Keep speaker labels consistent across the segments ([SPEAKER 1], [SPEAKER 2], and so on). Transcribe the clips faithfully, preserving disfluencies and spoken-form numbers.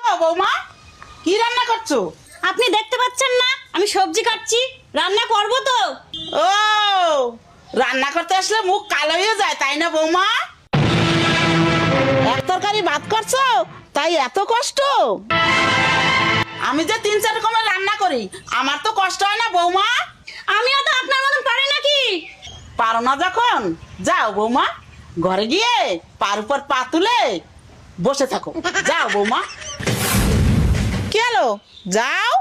[SPEAKER 1] বৌমা, কি রান্না করছো?
[SPEAKER 2] আপনি দেখতে পাচ্ছেন না আমি সবজি কাটছি, রান্না করব তো।
[SPEAKER 1] ও, রান্না করতে আসলে মুখ কালো হয়ে যায় তাই না বৌমা? এক তরকারি ভাত করছো তাই এত কষ্ট? আমি যে তিন চার রকমের রান্না করি, আমার তো কষ্ট হয় না বৌমা?
[SPEAKER 2] আমিও তো আপনার মতন পারি নাকি?
[SPEAKER 1] পারো না যখন, যাও বৌমা, ঘরে গিয়ে পার উপর পা তুলে বসে থাকো। যাও বৌমা। কি হলো, যাও।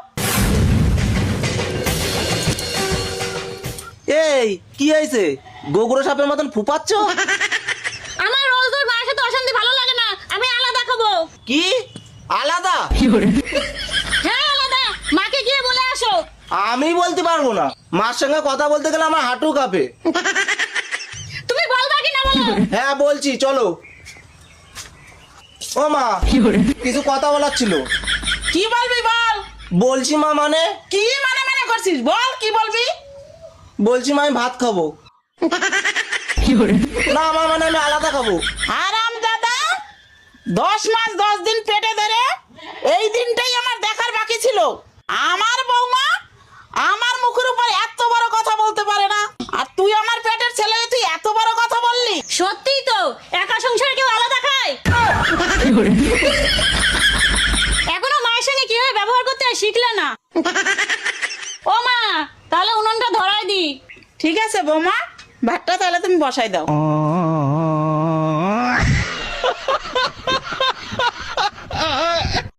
[SPEAKER 3] এই কি হয়েছে, গোগরো সাপের মতন ফুপাচ্ছ?
[SPEAKER 2] আমার রোজ রোজ মায়ের সাথে অশান্তি ভালো লাগে না, আমি আলাদা খাবো।
[SPEAKER 3] কি আলাদা?
[SPEAKER 2] হ্যাঁ আলাদা, মাকে গিয়ে বলে আসো।
[SPEAKER 3] আমি বলতে পারবো না, মার সঙ্গে কথা বলতে গেলে আমার হাঁটু কাঁপে।
[SPEAKER 2] তুমি বলবা কি না বলো?
[SPEAKER 3] হ্যাঁ বলছি, চলো। ও মা, কিছু কথা বলার ছিল।
[SPEAKER 1] কি বলবি বল।
[SPEAKER 3] বলছি মা, মানে
[SPEAKER 1] কি মানে মানে করছিস, বল কি বলবি।
[SPEAKER 3] বলছি মা, আমি ভাত খাবো। না আমার মানে আমি আলাদা খাবো।
[SPEAKER 1] আরাম দাদা, দশ মাস দশ দিন পেটে ধরে এই দিনটাই আমার দেখার বাকি ছিল। আমার বৌমা আমার মুখের উপর এত বড় কথা বলতে পারে না, আর তুই আমার পেটের ছেলে, তুই এত বড় কথা বললি।
[SPEAKER 2] সত্যিই তো, একা সংসারে কেউ আলাদা খায়? এখনো মায়ের সঙ্গে কিভাবে ব্যবহার করতে হয় শিখলে না। ও মা, তাহলে উনুনটা ধরাই দি।
[SPEAKER 1] ঠিক আছে বৌমা, ভাতটা তাহলে তুমি বসাই দাও।